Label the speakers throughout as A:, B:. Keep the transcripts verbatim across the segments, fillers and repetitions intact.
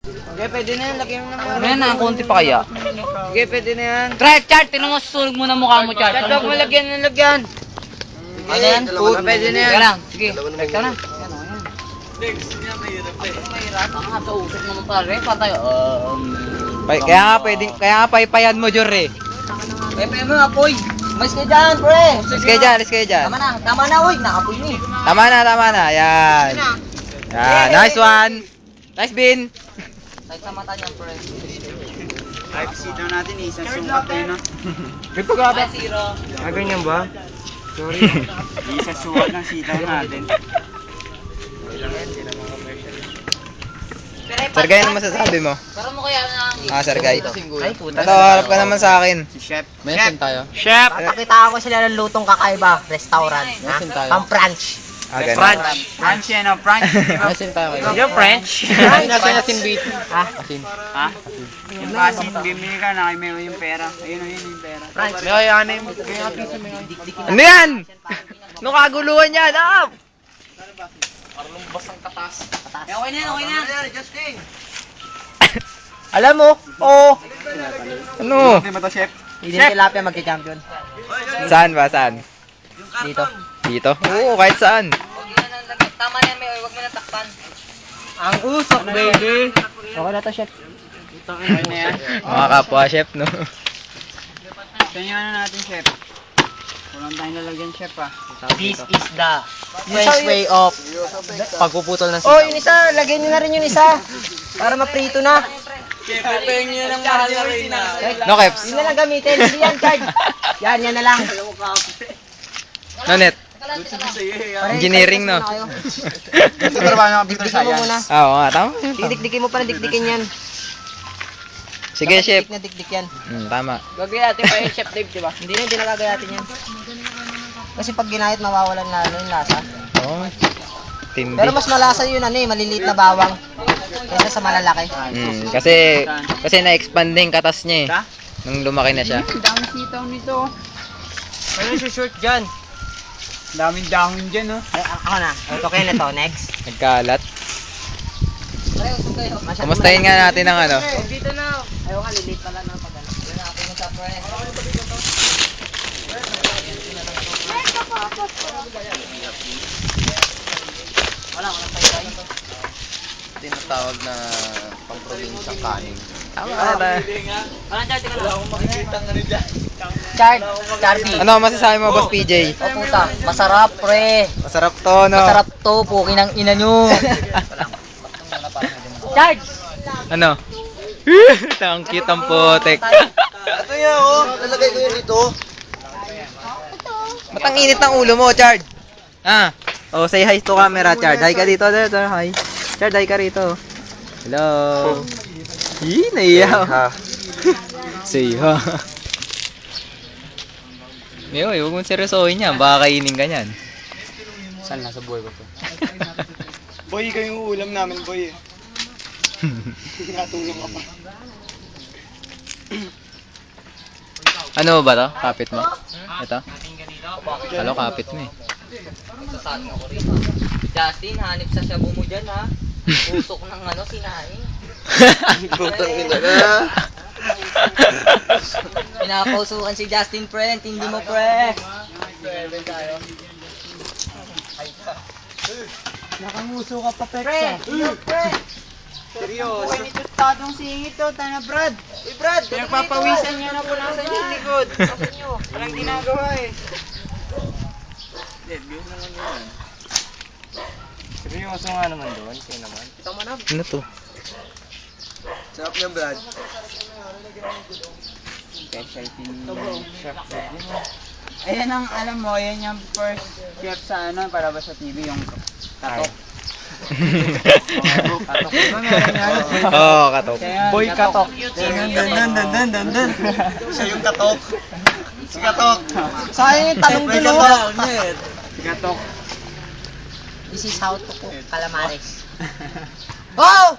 A: Okay, pwede na yan. Lagyan mo naman.
B: Ayan na, konti pa kaya.
A: Okay, pwede na yan.
B: Try, Chart, tinong mo susunog mo na mukha mo, Chart.
A: Chart, huwag mo lagyan ng lagyan.
B: Ano yan?
A: Food. Pwede na yan.
B: Sige lang, sige. Ito na. Next niya mahirap eh. Mahirap? Ang nga sa usok naman pare, patay. Um,
C: Kaya nga pwedeng, kaya nga paypayan mo, Jor eh.
B: Eh, pwede mo apoy. Mas kayo dyan, pre.
C: Alis kayo dyan, alis kayo dyan.
B: Tama na, tama na, uy. Nakapoy ni.
C: Tama na, tama na. Yan. Yan, nice one. Nice bin.
B: Kahit sa mata niyan, pre.
A: Ay, sitaw natin eh. Isang sukat eh, no?
C: May pagkaba.
B: Zero.
A: Ah, ganyan ba? Sorry. Isang sukat ng sitaw natin.
C: Sergay, ano masasabi mo?
B: Pero mo kaya na...
C: Ah, Sergay.
B: Ay, puta.
C: Ito, harap ka naman sa akin.
A: Si Chef.
C: Mention tayo.
A: Chef!
B: Papakita ko sila ng lutong kakaiba. Restaurant. Ha? Pang-French.
C: Ah, ganun.
A: French. French yan, no? French.
C: Mention tayo.
A: Yung French.
C: Asin, asin, bit.
B: Ha?
C: Asin.
A: Ha? Yung asin, bimili ka na kay Meo yung pera. Ayun, ayun yung pera.
B: French.
A: Meo, yan na yung kaya pizza, Meo.
C: Ano yan? Ano kaguluhan yan? Ah!
B: Eh, okay na yan, okay na.
C: Alam mo? Oo. Ano?
A: Hindi ba to, Chef?
B: Hindi na tilapia magka-champion.
C: Saan ba? Saan?
B: Dito.
C: Dito? Oo, kahit saan.
B: Tama na yan, May. Huwag mo na takpan.
A: Ang usok, baby.
B: Okay na to, chef.
A: Ano na yan?
C: Mga kapwa chef, no?
A: Ito yung ano natin, Chef. Walang tayong lalagyan, Chef, ah.
B: This is the French way of
C: Pagpuputol ng
B: Oh, yun isa. Lagyan nyo na rin yun isa. Para maprito na.
A: Pepeng nyo ng mahal na rin na.
C: No, Keps?
B: Yun na lang gamitin. Hindi yan, card. Yan, yan na lang.
C: No, Net? Engineering, no?
A: Ito trabaho ng computer
B: Dikdikin mo muna.
A: science.
C: Ah, oo nga, tama.
B: Dikdikin mo pa na dikdikin yan.
C: Sige, chef.
B: Dikdik na dikdik yan.
C: Hmm, tama.
B: Gagayatin pa yung chef Dave, di ba? Hindi na, hindi na gagayatin yan. Kasi pag ginayat, mawawalan na ano yung lasa.
C: Oo. Tindi.
B: Pero mas malasa yun ano eh, maliliit na bawang. Kaysa sa malalaki.
C: Hmm, kasi, kasi na-expand na yung katas niya eh.
A: Ha?
C: Nung lumaki na siya.
A: Ang daming sitaw nito.
B: Ano yung short dyan?
A: Daming dahon dyan, oh.
B: Ay, a- ako na. Ito kayo na to. Next.
C: Nagkalat. Kumustahin nga natin ang ano.
B: Dito na. Ayaw ka, lilit pala na pag ano. Yun na ako yung sa pre. Wala, walang tayo.
C: Tinatawag na pang-probinsya kanin. Tama
B: Ah,
C: na.
B: Walang chart, tika lang. Chart, Chardy.
C: Ano masasabi mo, Boss P J?
B: O puta, masarap pre.
C: Masarap to, no?
B: Masarap to, pukin ang ina nyo. Chart!
C: Ano? Ang cute ang putek.
A: Ito yan, oh. Nalagay ko yun dito.
C: Ba't ang init ng ulo mo, Chard? Ah. Oh, say hi to camera, Chard. Hi ka dito, dito. Hi. Chard, hi ka rito. Hello. Ih, naiya. Say ha. Meo, eh, huwag mong seryosohin yan. Baka kainin ka niyan.
A: Saan nasa buhay ko to? Boy, kayo yung ulam namin, boy. eh. Natulong ka pa.
C: Ano ba to? Kapit mo? Ito? Halo, kapit mo eh.
B: Justin, hanip sa shabu mo dyan ha. Usok ng ano, sinaing.
A: Putang ina na.
B: Pinapausukan si Justin, pre. Hindi mo, pre.
A: Nakanguso ka pa, Peksa.
B: Pre, ikaw, pre.
A: Seryoso. Uy, nito tatong singit to, tana Brad. Uy, Brad, pinagpapawisan niya na po nasa yung likod. Walang ginagawa eh. Dead, yun naman yun. Seryoso nga naman doon, kayo naman.
B: Ito mo na.
C: Ano to?
A: Sarap niya, Brad. Specialty ni Chef Brad. Ayan ang, alam mo, ayan yung first chef sa ano, para ba sa T V, yung katok. Katok. Diba meron yan?
C: Oo, oh, katok.
A: Boy Katok. Dan dan dan dan dan dan dan. Siya yung Katok. Si Katok.
B: Sayang yung talong
A: Boy
B: dulo.
A: Katok. Si Katok.
B: This is how to cook calamares. Oh!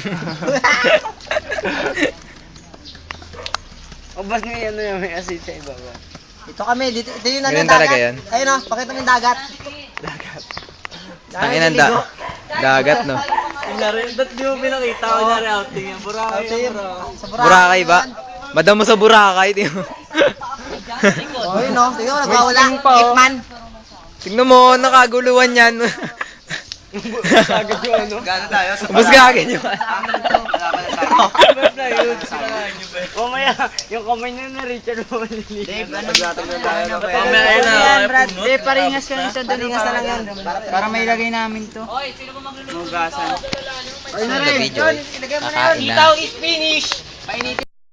A: O bas nga yan na may asin sa ibaba.
B: Ito kami, dito, ito yung
C: Ganun
B: ano,
C: talaga
B: dagat.
C: yan.
B: Ayun o, pakita mo yung dagat.
A: Dagat.
C: Ang inang da dagat, no?
A: Kunyari, ba't di mo pinakita? Kunyari, outing yan. Boracay yan, bro.
C: Boracay ba? Madam mo sa Boracay, di mo.
B: Oh, yun o. Tingnan mo, nagwawala. Hitman.
C: Tingnan mo, nakaguluhan yan.
A: Agad yung ano.
C: Gano'n tayo? Ubus ka agad yung
A: Mamaya, yung kamay na na Richard mo maliliit.
B: Dave, ano?
A: tayo na
B: Mamaya
A: na,
B: yan,
A: Brad.
B: Dave, paringas ka nito. Dalingas na lang yan.
A: Para may ilagay namin to.
B: Hoy, sino ba magluluto?
A: Mugasan.
B: Ayun na
C: Sa
B: rin.
C: video,
B: John, ilagay mo na yun.
C: kakain na.
B: is finished. Painitin.